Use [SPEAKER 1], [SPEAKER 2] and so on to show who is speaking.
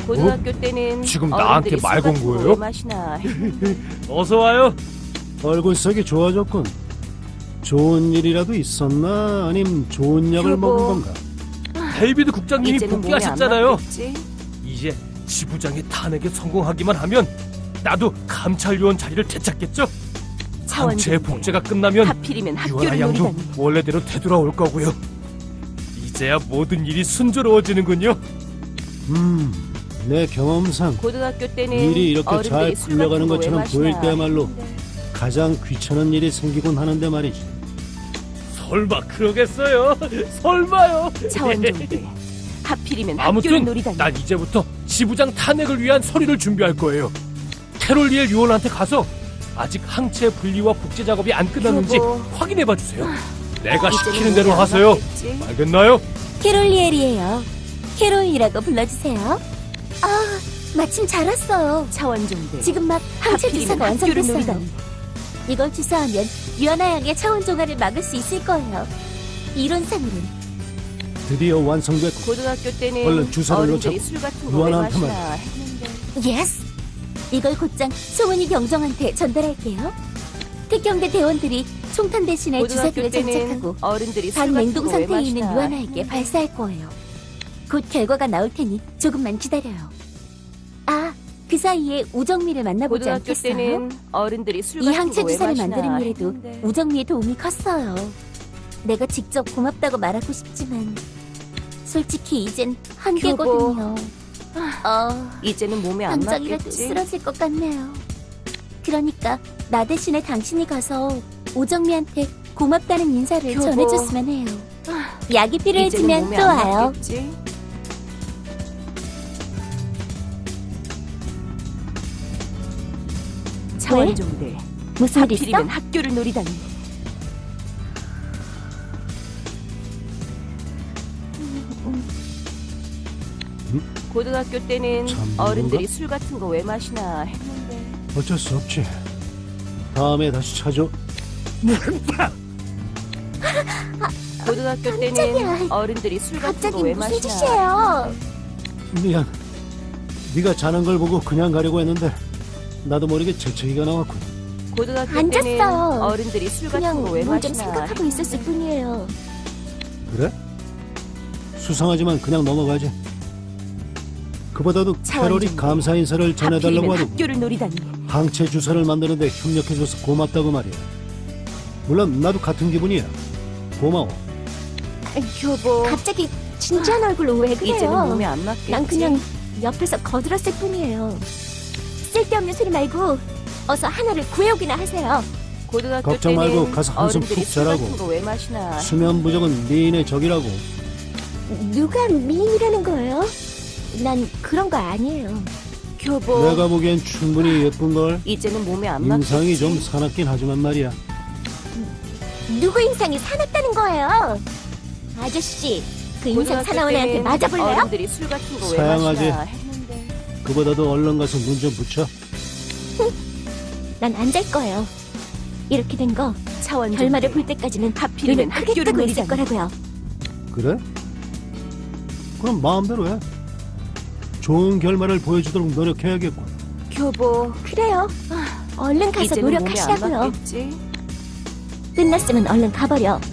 [SPEAKER 1] 고등학교 때는
[SPEAKER 2] 지금 나한테
[SPEAKER 1] 어른들이
[SPEAKER 2] 말
[SPEAKER 1] 술
[SPEAKER 2] 건
[SPEAKER 1] 같은 거
[SPEAKER 2] 거예요?
[SPEAKER 1] 왜 마시나 했는데.
[SPEAKER 2] 어서 와요.
[SPEAKER 3] 얼굴색이 좋아졌군. 좋은 일이라도 있었나? 아님 좋은 약을
[SPEAKER 1] 여보.
[SPEAKER 3] 먹은 건가?
[SPEAKER 2] 데이비드 국장님이
[SPEAKER 1] 이제는 몸에
[SPEAKER 2] 복귀하셨잖아요.
[SPEAKER 1] 안 맞겠지?
[SPEAKER 2] 이제 지부장의 탄핵에 성공하기만 하면 나도 감찰위원 자리를 되찾겠죠? 항체
[SPEAKER 1] 차원종대.
[SPEAKER 2] 복제가 끝나면
[SPEAKER 1] 하필이면
[SPEAKER 2] 유아라
[SPEAKER 1] 학교를
[SPEAKER 2] 양도
[SPEAKER 1] 노리다니.
[SPEAKER 2] 원래대로 되돌아올 거고요. 이제야 모든 일이 순조로워지는군요.
[SPEAKER 3] 내 경험상
[SPEAKER 1] 고등학교 때는
[SPEAKER 3] 일이 이렇게 잘
[SPEAKER 1] 어른들이 술
[SPEAKER 3] 굴러가는
[SPEAKER 1] 같은 거 왜
[SPEAKER 3] 것처럼 보일
[SPEAKER 1] 마시나
[SPEAKER 3] 때야말로
[SPEAKER 1] 했는데.
[SPEAKER 3] 가장 귀찮은 일이 생기곤 하는데 말이지.
[SPEAKER 2] 설마 그러겠어요? 설마요?
[SPEAKER 1] 차원종대. 하필이면 학교를
[SPEAKER 2] 아무튼
[SPEAKER 1] 노리다니.
[SPEAKER 2] 난 이제부터 지부장 탄핵을 위한 서류를 준비할 거예요. 캐롤리엘 요원한테 가서 아직 항체 분리와 복제 작업이 안 끝났는지
[SPEAKER 1] 여보.
[SPEAKER 2] 확인해봐 주세요. 내가
[SPEAKER 1] 이제는
[SPEAKER 2] 시키는
[SPEAKER 1] 몸에
[SPEAKER 2] 대로
[SPEAKER 1] 안
[SPEAKER 2] 하세요.
[SPEAKER 1] 맞겠지?
[SPEAKER 2] 알겠나요?
[SPEAKER 4] 캐롤리엘이에요. 캐롤이라고 불러주세요. 아, 마침 잘 왔어요.
[SPEAKER 1] 차원종대.
[SPEAKER 4] 지금 막 항체
[SPEAKER 1] 하필이면
[SPEAKER 4] 주사가
[SPEAKER 1] 학교를
[SPEAKER 4] 완성됐어요.
[SPEAKER 1] 노리다니.
[SPEAKER 4] 이걸 주사하면 유아나 양의 차원 종아를 막을 수 있을 거예요. 이론상으로는.
[SPEAKER 3] 드디어 완성됐고
[SPEAKER 1] 고등학교 때는
[SPEAKER 3] 얼른 주사를
[SPEAKER 1] 어른들이
[SPEAKER 3] 놓자고.
[SPEAKER 1] 술 같은 거 왜
[SPEAKER 3] 유아나한테만.
[SPEAKER 1] 마시나 했는데.
[SPEAKER 4] 예스! 이걸 곧장 송은이 경정한테 전달할게요. 특경대 대원들이 총탄 대신에
[SPEAKER 1] 고등학교
[SPEAKER 4] 주사기를
[SPEAKER 1] 때는
[SPEAKER 4] 장착하고
[SPEAKER 1] 어른들이 술
[SPEAKER 4] 반
[SPEAKER 1] 같은
[SPEAKER 4] 냉동
[SPEAKER 1] 거 왜
[SPEAKER 4] 상태에 있는
[SPEAKER 1] 마시나
[SPEAKER 4] 유아나에게
[SPEAKER 1] 했는데.
[SPEAKER 4] 발사할 거예요. 곧 결과가 나올 테니 조금만 기다려요. 아, 그 사이에 우정미를 만나보지
[SPEAKER 1] 고등학교
[SPEAKER 4] 않겠어요?
[SPEAKER 1] 때는 어른들이 술
[SPEAKER 4] 이
[SPEAKER 1] 같은
[SPEAKER 4] 항체
[SPEAKER 1] 거 왜
[SPEAKER 4] 주사를
[SPEAKER 1] 마시나
[SPEAKER 4] 만드는 일에도
[SPEAKER 1] 했는데.
[SPEAKER 4] 우정미의 도움이 컸어요. 내가 직접 고맙다고 말하고 싶지만 솔직히 이젠 한계거든요.
[SPEAKER 1] 이제는 몸에 안
[SPEAKER 4] 당장이라도
[SPEAKER 1] 맞겠지?
[SPEAKER 4] 쓰러질 것 같네요. 그러니까 나 대신에 당신이 가서 오정미한테 고맙다는 인사를
[SPEAKER 1] 여보.
[SPEAKER 4] 전해줬으면 해요. 약이
[SPEAKER 1] 이제는
[SPEAKER 4] 필요해지면
[SPEAKER 1] 몸에
[SPEAKER 4] 또
[SPEAKER 1] 안
[SPEAKER 4] 와요.
[SPEAKER 1] 맞겠지? 차원종대.
[SPEAKER 4] 무슨 일 있어?
[SPEAKER 1] 하필이면 학교를 노리다니. 고등학교 때는
[SPEAKER 3] 참
[SPEAKER 1] 어른들이 술 같은 거 왜 마시나 했는데.
[SPEAKER 3] 어쩔 수 없지. 다음에 다시 찾아.
[SPEAKER 1] 고등학교
[SPEAKER 4] 깜짝이야.
[SPEAKER 1] 때는 어른들이 술 같은 거
[SPEAKER 4] 갑자기
[SPEAKER 1] 왜
[SPEAKER 4] 무슨
[SPEAKER 1] 마시나.
[SPEAKER 4] 짓이에요?
[SPEAKER 3] 미안. 네가 자는 걸 보고 그냥 가려고 했는데 나도 모르게 재채기가 나왔군.
[SPEAKER 1] 고등학교
[SPEAKER 4] 안
[SPEAKER 1] 때는
[SPEAKER 4] 잤어요.
[SPEAKER 1] 어른들이 술 같은
[SPEAKER 4] 그냥
[SPEAKER 1] 거 왜
[SPEAKER 4] 뭘 좀
[SPEAKER 1] 마시나.
[SPEAKER 4] 생각하고 있었을 뿐이에요.
[SPEAKER 3] 그래? 수상하지만 그냥 넘어가지. 그보다도 캐롤이
[SPEAKER 1] 차원종대.
[SPEAKER 3] 감사 인사를 전해달라고
[SPEAKER 1] 하필이면
[SPEAKER 3] 하더군.
[SPEAKER 1] 학교를 노리다니.
[SPEAKER 3] 항체 주사를 만드는데 협력해줘서 고맙다고 말이야. 물론 나도 같은 기분이야. 고마워.
[SPEAKER 1] 여보.
[SPEAKER 4] 갑자기 진지한 얼굴로 왜
[SPEAKER 1] 이제는
[SPEAKER 4] 그래요?
[SPEAKER 1] 몸에 안 맞겠지?
[SPEAKER 4] 난 그냥 옆에서 거들었을 뿐이에요. 쓸데없는 소리 말고 어서 하나를 구해오기나 하세요.
[SPEAKER 1] 고등학교
[SPEAKER 3] 걱정
[SPEAKER 1] 때는
[SPEAKER 3] 말고 가서 한숨
[SPEAKER 1] 어른들이
[SPEAKER 3] 푹
[SPEAKER 1] 술
[SPEAKER 3] 자라고.
[SPEAKER 1] 같은 거 왜 마시나.
[SPEAKER 3] 수면 부족은 미인의 적이라고.
[SPEAKER 4] 누가 미인이라는 거예요? 난 그런 거 아니에요.
[SPEAKER 1] 교보.
[SPEAKER 3] 내가 보기엔 충분히 예쁜걸.
[SPEAKER 1] 이제는 몸에 안 맞겠지?
[SPEAKER 3] 인상이 좀 사납긴 하지만 말이야.
[SPEAKER 4] 누구 인상이 사납다는 거예요? 아저씨, 그 인상
[SPEAKER 1] 고등학교
[SPEAKER 4] 사나운 애한테
[SPEAKER 1] 때는
[SPEAKER 4] 맞아볼래요?
[SPEAKER 1] 어른들이 술 같은 거 왜
[SPEAKER 3] 사양하지.
[SPEAKER 1] 마시나 했는데.
[SPEAKER 3] 그보다도 얼른 가서 눈 좀 붙여.
[SPEAKER 4] 난 안 잘 거예요. 이렇게 된 거
[SPEAKER 1] 차원
[SPEAKER 4] 결말을 볼 때까지는
[SPEAKER 1] 하필이면
[SPEAKER 4] 눈을
[SPEAKER 1] 학교를
[SPEAKER 4] 크게 뜨고 있을
[SPEAKER 1] 노리다니.
[SPEAKER 4] 거라고요.
[SPEAKER 3] 그래? 그럼 마음대로 해. 좋은 결말을 보여주도록 노력해야겠군.
[SPEAKER 1] 교보.
[SPEAKER 4] 그래요. 얼른 가서
[SPEAKER 1] 이제는 몸에 안
[SPEAKER 4] 노력하시라고요.
[SPEAKER 1] 맞겠지?
[SPEAKER 4] 끝났으면 얼른 가버려.